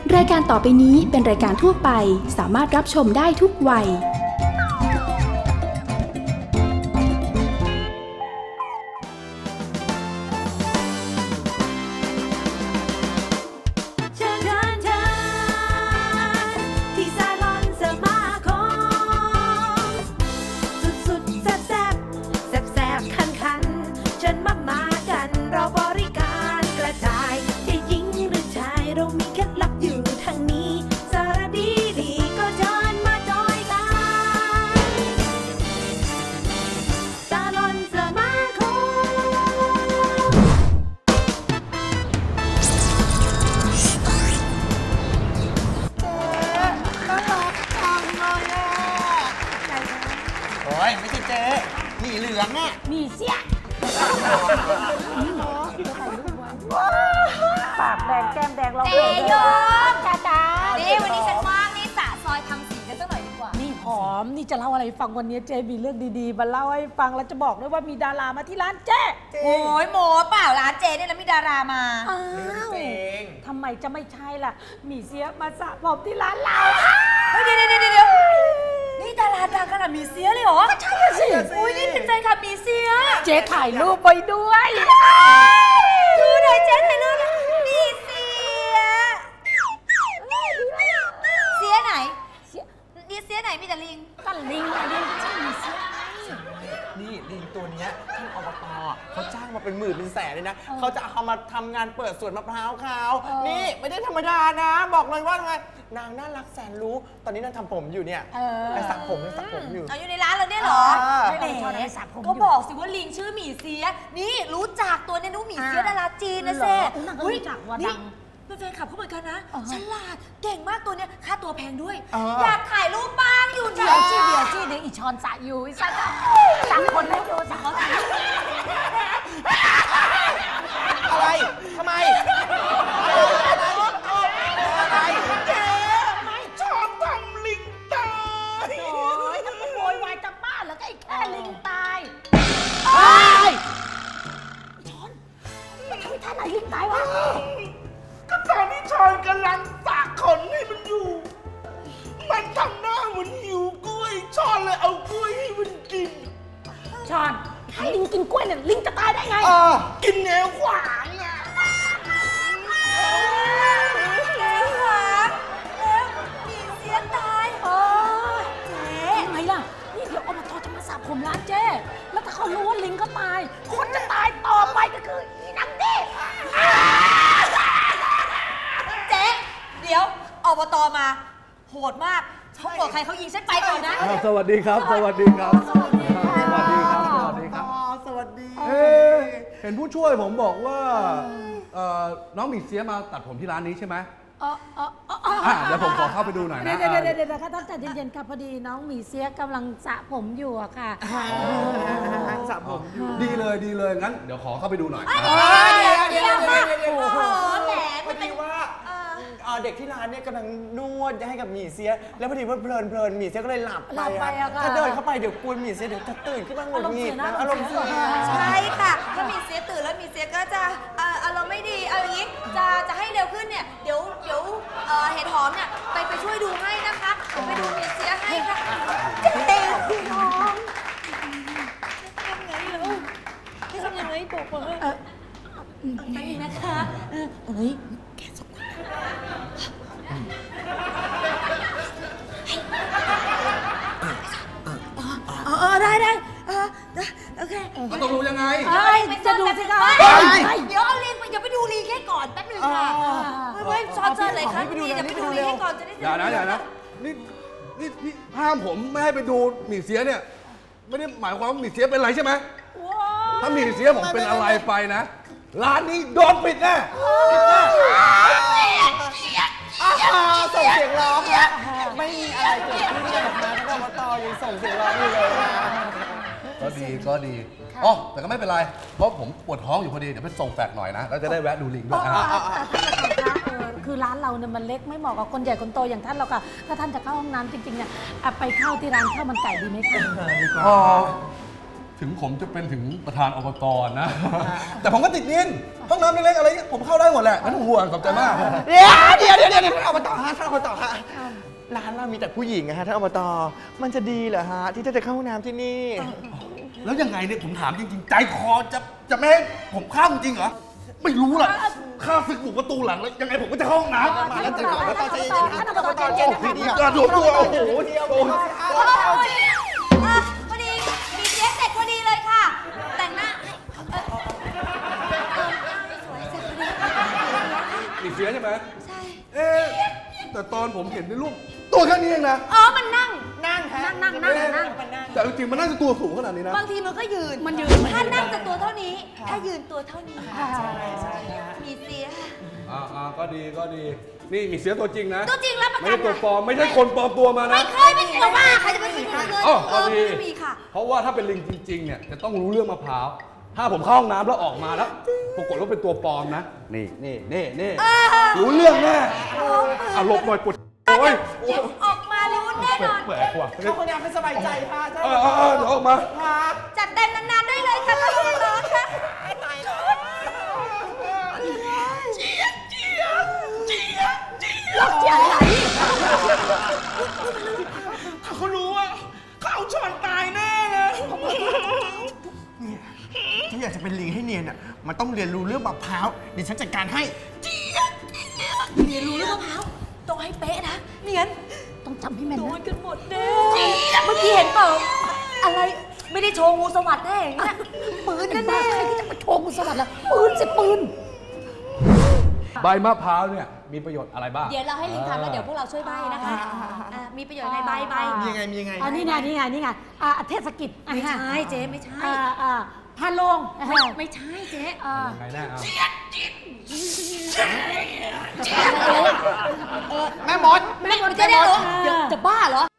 รายการต่อไปนี้เป็นรายการทั่วไปสามารถรับชมได้ทุกวัยไม่ใช่เจ๊หมีเหลืองอ่ะมีเสียปากแดงแก้มแดงเราเจโยมจ้านี่วันนี้ฉันว่างนี่สะซอยทำสีกันสักหน่อยดีกว่านี่หอมนี่จะเล่าอะไรฟังวันนี้เจมีเรื่องดีๆมาเล่าให้ฟังแล้วจะบอกด้วยว่ามีดารามาที่ร้านเจโอ้ยโมเปล่าร้านเจเนี่ยแล้วมีดารามาอ้าวทำไมจะไม่ใช่ล่ะมีเสียมาสระผมที่ร้านเราเดี๋ยวนี่ดาราดังขนาดมีเสียเลยเหรอก็ใช่สิอุ้ยนี่เป็นแฟนคลับมีเสียเจ๊ถ่ายรูปไปด้วยดูหน่อยเจ๊ถ่ายรูปมีเสียเสียไหนนี่เสียไหนมีแต่ลิงก็ลิงใช่มีเสียนี่ลิงตัวนี้ท่านอบต.เขาจ้างมาเป็นหมื่นเป็นแสนเลยนะเขาจะเอามาทำงานเปิดสวนมะพร้าวเขานี่ไม่ได้ธรรมดานะบอกเลยว่าไงนางน่ารักแสนรู้ตอนนี้นางทำผมอยู่เนี่ยนางสักผมอยู่อยู่ในร้านเราเนี่ยเหรอก็บอกสิว่าลิงชื่อหมี่เสียนี่รู้จักตัวนี้นู้หมี่เสียดาราจีนนะเซ่รู้จักว่าดังเป็นแฟนคลับเขาเหมือนกันนะฉลาดเก่งมากตัวเนี้ยค่าตัวแพงด้วยอยากถ่ายรูปบ้างอยู่เดี๋ยวอีชอนสะอยู่สักคนให้ดูสักคนอะไรทำไมเจ๊ไม่ชอบทำลิงตายโอ้ยทำไมโวยวายจะบ้าแล้วก็ไอ้แค่ลิงตายชอนมันทำท่าไหนลิงตายวะก็ตอนที่ชอนกำลังสระขนให้มันอยู่มันทำหน้าเหมือนหิวกล้วยชอนเลยเอากล้วยให้มันกินชอนให้ลิงกินกล้วยเนี่ยลิงจะตายได้ไงกินแนวขวางอ่ะแนวขวางแล้วมีเสียตายเจ๊ทำไมล่ะนี่เดี๋ยวอบต.จะมาสระผมร้านเจ๊แล้วถ้าเขารู้ว่าลิงก็ตายคนจะตายต่อไปก็คืออีนังดิเจ๊เดี๋ยวอบต.มาโหดมากเขาบอกใครเขายิงฉันไปก่อนนะสวัสดีครับสวัสดีครับสวัสดีเห็นผู้ช่วยผมบอกว่าน้องหมี่เสียมาตัดผมที่ร้านนี้ใช่ไหมเดี๋ยวผมขอเข้าไปดูหน่อยนะเดี๋ยวค่ะตั้งแต่เย็นๆค่ะพอดีน้องหมี่เสียกำลังสระผมอยู่อะค่ะสระผมดีเลยงั้นเดี๋ยวขอเข้าไปดูหน่อยเดี๋ยวแหมพอดีว่าเด็กที่ร้านเนี่ยกำลังนวดให้กับหมี่เสียแล้วพอดีว่าเพลินหมี่เสียก็เลยหลับไปถ้าเดินเข้าไปเดี๋ยวกวนหมี่เสียเดี๋ยวจะตื่นขึ้นมาหงุดหงิดนะอารมณ์เสียใช่ค่ะถ้าหมี่เสียตื่นแล้วหมี่เสียก็จะอารมณ์ไม่ดีเอาอย่างนี้จะให้เร็วขึ้นเนี่ยเดี๋ยวเห็ดหอมเนี่ยไปช่วยดูให้นะคะไปดูหมี่เสียให้ค่ะเจ๊พี่น้องทำยังไงบอกมาไปนะคะเฮ้ยแกสองคนได้โอเคมันต้องรู้ยังไงจะดูสิคะเดี๋ยวเอาลิงไปอย่าไปดูลิงแค่ก่อนแป๊บนึงค่ะไม่ชอบเจอเลยครับนี่อย่าไปดูลิงแค่ก่อนจะได้อย่านะนี่ห้ามผมไม่ให้ไปดูหมี่เสียเนี่ยไม่ได้หมายความว่าหมี่เสียเป็นไรใช่ไหมถ้าหมี่เสียผมเป็นอะไรไปนะร้านนี้โดนปิดแน่ส่งเสียงร้องนะไม่มีอะไรเกิดขึ้นเลยนะท่านอบต.ยังส่งเสียงร้องอยู่เลยก็ดีอ๋อแต่ก็ไม่เป็นไรเพราะผมปวดท้องอยู่พอดีเดี๋ยวไปส่งแฟกหน่อยนะแล้วจะได้แวะดูลิงด้วยคือร้านเราเนี่ยมันเล็กไม่เหมาะกับคนใหญ่คนโตอย่างท่านหรอกค่ะถ้าท่านจะเข้าห้องน้ำจริงๆเนี่ยไปเข้าที่ร้านข้าวมันไก่ดีไหมคะอ๋อถึงผมจะเป็นถึงประธานอบตนะ แต่ผมก็ติดนินห้องน้ำเล็กๆอะไรเงี้ยผมเข้าได้หมดแหละไม่ต้องห่วงขอบใจมากเดี๋ยวท่านอบตฮะท่านอบตฮะร้านเรามีแต่ผู้หญิงอะฮะท่านอบตมันจะดีเหรอฮะที่จะเข้าห้องน้ำที่นี่แล้วยังไงเนี่ยผมถามจริงๆ ใจคอจะไม่ให้ผมเข้าจริงเหรอไม่รู้ล่ะข้าศึกบุกประตูหลังแล้วยังไงผมก็จะเข้าห้องน้ำมาแล้วใจก่อนแล้วตอนใจเย็นๆท่านอบตใจเย็นนะคะดีกระโดดตัวโอ้โหเดียวพอดีมีเสียเสร็จพอดีเลยค่ะ แต่งหน้าสวยเสร็จพอดีมีเสียใช่ไหมใช่แต่ตอนผมเห็นในรูปตัวแค่นี้เองนะอ๋อ มันนั่งนั่งฮะนั่งแต่จริงๆมันน่าจะตัวสูงขนาดนี้นะบางทีมันก็ยืนมันยืนถ้านั่งจะตัวเท่านี้ ถ้ายืนตัวเท่านี้ มีเสียก็ดีนี่มีเสียตัวจริงนะตัวจริงรับประไม่กันใช่ตัวปลอมไม่ใช่คนปลอมตัวมานะไม่เคยไม่เคยว่าใครจะเป็นผู้หญิงเลยก็ดีไม่มีค่ะเพราะว่าถ้าเป็นลิงจริงๆเนี่ยจะต้องรู้เรื่องมะพร้าวถ้าผมเข้าห้องน้ำแล้วออกมาแล้วปรากฏว่าเป็นตัวปลอมนะนี่รู้เรื่องแน่หลบหน่อยปวดโอ้ยเดี๋ยวออกมารู้แน่นอนแปลกว่ะเข้าห้องน้ำให้สบายใจค่ะท่านเดี๋ยวออกมาจัดเต็มนานๆได้เลยค่ะท่านผู้ร้อนค่ะถ้าเขารู้ว่าเขาเอาช้อนตายแน่เลยเนี่ยถ้าอยากจะเป็นลิงให้เนียนอ่ะมันต้องเรียนรู้เรื่องมะพร้าวเดี๋ยวฉันจัดการให้เรียนรู้เรื่องมะพร้าวต้องให้เป๊ะนะไม่งั้นต้องจำให้แม่นโดนะนกันหมดแน่เมื่อกี้เห็นเปล่าอะไรไม่ได้โชว์งูสวัสด์แน่อย่างเงี้ยปืนเป็นแน่บ้าใครที่จะมาโชว์กุศลล่ะปืนสิปืนใบมะพร้าวเนี่ยมีประโยชน์อะไรบ้างเดี๋ยวเราให้ลิงทำแล้วเดี๋ยวพวกเราช่วยใบนะคะมีประโยชน์ไงใบมียังไงมียังไงนี่ไงเทศกิจไม่ใช่เจ๊ไม่ใช่พาลงไม่ใช่เจ๊ยังไงแน่เอาแม่มดไม่จะได้รู้เดี๋ยวจะบ้าเหรอ